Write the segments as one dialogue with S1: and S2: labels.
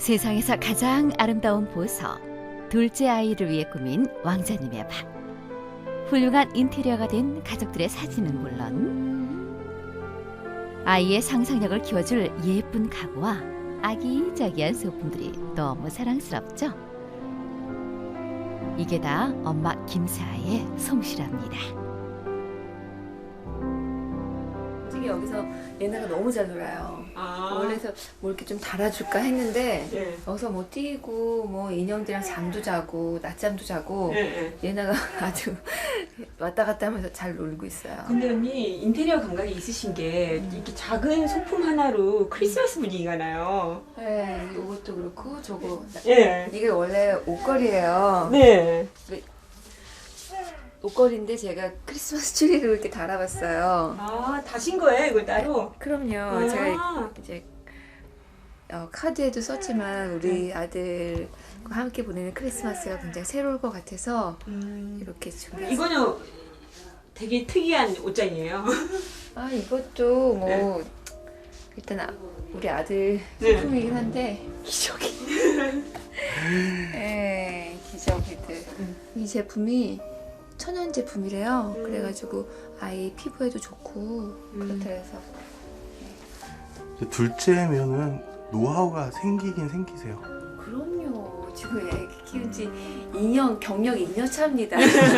S1: 세상에서 가장 아름다운 보석, 둘째 아이를 위해 꾸민 왕자님의 방. 훌륭한 인테리어가 된 가족들의 사진은 물론 아이의 상상력을 키워줄 예쁜 가구와 아기자기한 소품들이 너무 사랑스럽죠? 이게 다 엄마 김사아의 솜씨랍니다.
S2: 솔직히 여기서 예나가 너무 잘 놀아요. 원래서 뭐 이렇게 좀 달아줄까 했는데
S3: 예.
S2: 여기서 뭐 뛰고 뭐 인형들이랑 잠도 자고 낮잠도 자고 예나가 아주 왔다 갔다 하면서 잘 놀고 있어요.
S3: 근데 언니 인테리어 감각이 있으신 게 이렇게 작은 소품 하나로 크리스마스 분위기가 나요.
S2: 네, 이것도 그렇고 저거
S3: 예.
S2: 이게 원래 옷걸이에요.
S3: 네.
S2: 옷걸이인데 제가 크리스마스 트리를 이렇게 달아봤어요.
S3: 아, 다신 거예요, 이거 따로?
S2: 그럼요. 제가 이제 카드에도 썼지만 우리 아들과 함께 보내는 크리스마스가 굉장히 새로울 것 같아서 이렇게 준비했어요.
S3: 이거는 되게 특이한 옷장이에요.
S2: 아 이것도 뭐
S3: 네.
S2: 일단 우리 아들
S3: 네.
S2: 소품이긴 한데 기저귀. 네, 기저귀들. 이 제품이 천연 제품이래요. 그래가지고 아이 피부에도 좋고 그렇다 해서.
S4: 둘째면은 노하우가 생기긴 생기세요.
S2: 그럼요. 지금 애기 키운 지 2년, 경력 2년 차입니다.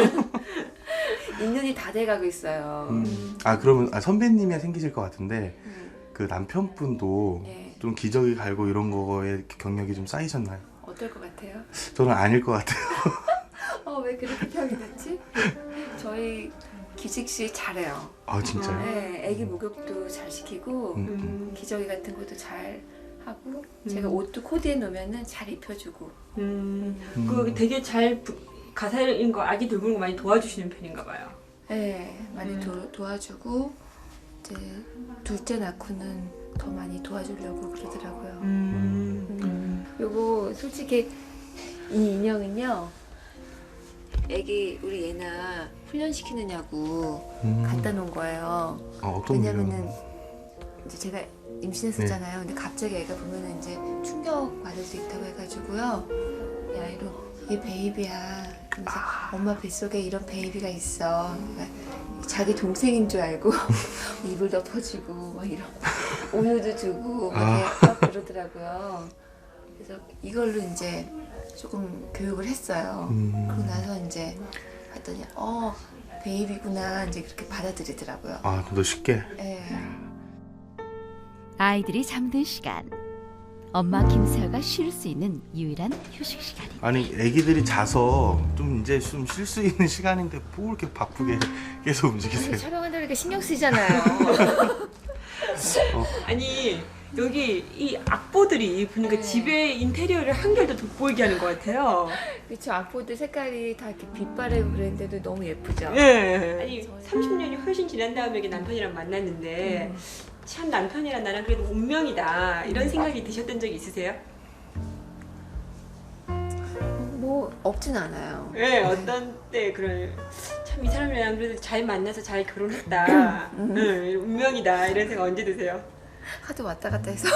S2: 2년이 다 돼가고 있어요.
S4: 아 그러면 선배님이 생기실 것 같은데 그 남편분도
S2: 네.
S4: 좀 기저귀 갈고 이런 거에 경력이 좀 쌓이셨나요?
S2: 어떨 것 같아요?
S4: 저는 아닐 것 같아요.
S2: 왜 그렇게 평이 됐지? 저희 기식씨 잘해요.
S4: 아 진짜요?
S2: 네, 애기 목욕도 잘 시키고 기저귀 같은 것도 잘 하고 제가 옷도 코디해 놓으면은 잘 입혀주고.
S3: 그 되게 잘 가사인 거 아기 돌보는 거 많이 도와주시는 편인가 봐요.
S2: 네, 많이 도와주고 이제 둘째 낳고는 더 많이 도와주려고 그러더라고요. 요거 솔직히 이 인형은요. 애기 우리 예나 훈련시키느냐고 갖다 놓은 거예요.
S4: 어떤
S2: 왜냐면은 이제 제가 임신했었잖아요. 근데 갑자기 애가 보면은 이제 충격 받을 수 있다고 해가지고요. 이 아이로 얘 베이비야. 그래서 엄마 뱃속에 이런 베이비가 있어. 그러니까 자기 동생인 줄 알고 이불 덮어주고 막 이런 우유도 주고 막 그러더라고요. 그래서 이걸로 이제 조금 교육을 했어요. 그러고 나서 이제 봤더니 베이비구나 이제 그렇게 받아들이더라고요.
S4: 아 좀 더 쉽게.
S2: 네.
S1: 아이들이 잠든 시간. 엄마 김사아가 쉴 수 있는 유일한 휴식 시간입니다.
S4: 아니 애기들이 자서 좀 이제 좀 쉴 수 있는 시간인데 뭐 이렇게 바쁘게 계속 움직이세요?
S2: 촬영한다니까 신경 쓰잖아요.
S3: 아니 여기 이 악보들이 보니까
S2: 네.
S3: 집에 인테리어를 한결 더 돋보이게 하는 것 같아요.
S2: 그쵸, 악보들 색깔이 다 이렇게 빛 바래고 그랬는데도 너무 예쁘죠?
S3: 네. 아니 30년이 훨씬 지난 다음에 이렇게 남편이랑 만났는데 참 남편이랑 나랑 그래도 운명이다 이런 생각이 드셨던 적이 있으세요?
S2: 뭐 없진 않아요.
S3: 네, 어떤 때 그런 참 이 사람이랑 그래도 잘 만나서 잘 결혼했다. 네, 운명이다 이런 생각 언제 드세요?
S2: 하도 왔다 갔다 해서.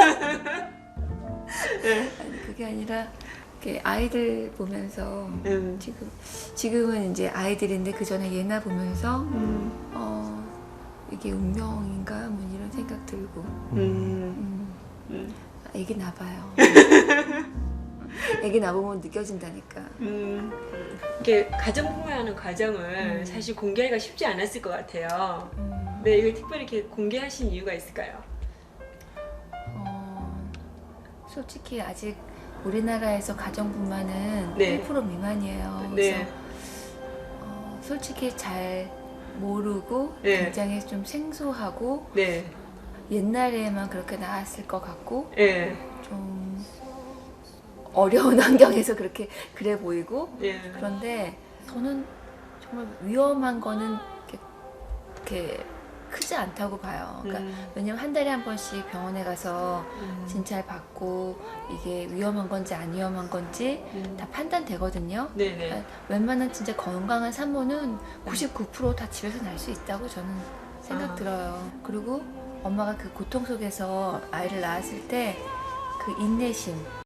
S2: 아니, 그게 아니라 이렇게 아이들 보면서 지금은 이제 아이들인데 그 전에 예나 보면서 이게 운명인가 뭐 이런 생각 들고. 애기 낳아봐요. 애기 낳아보면 느껴진다니까.
S3: 이렇게 가정부모하는 과정을 사실 공개하기가 쉽지 않았을 것 같아요. 네, 이걸 특별히 이렇게 공개하신 이유가 있을까요?
S2: 솔직히 아직 우리나라에서 가정분만은
S3: 네.
S2: 1% 미만이에요.
S3: 네.
S2: 그래서 솔직히 잘 모르고
S3: 네.
S2: 굉장히 좀 생소하고
S3: 네,
S2: 옛날에만 그렇게 나왔을 것 같고
S3: 네,
S2: 좀 어려운 환경에서 그래 보이고
S3: 네.
S2: 그런데 저는 정말 위험한 거는 이렇게 크지 않다고 봐요. 그러니까 왜냐면 한 달에 한 번씩 병원에 가서 진찰 받고 이게 위험한 건지 안 위험한 건지 다 판단되거든요.
S3: 네,
S2: 그러니까
S3: 네.
S2: 웬만한 진짜 건강한 산모는 99% 다 집에서 날 수 있다고 저는 생각 들어요. 그리고 엄마가 그 고통 속에서 아이를 낳았을 때 그 인내심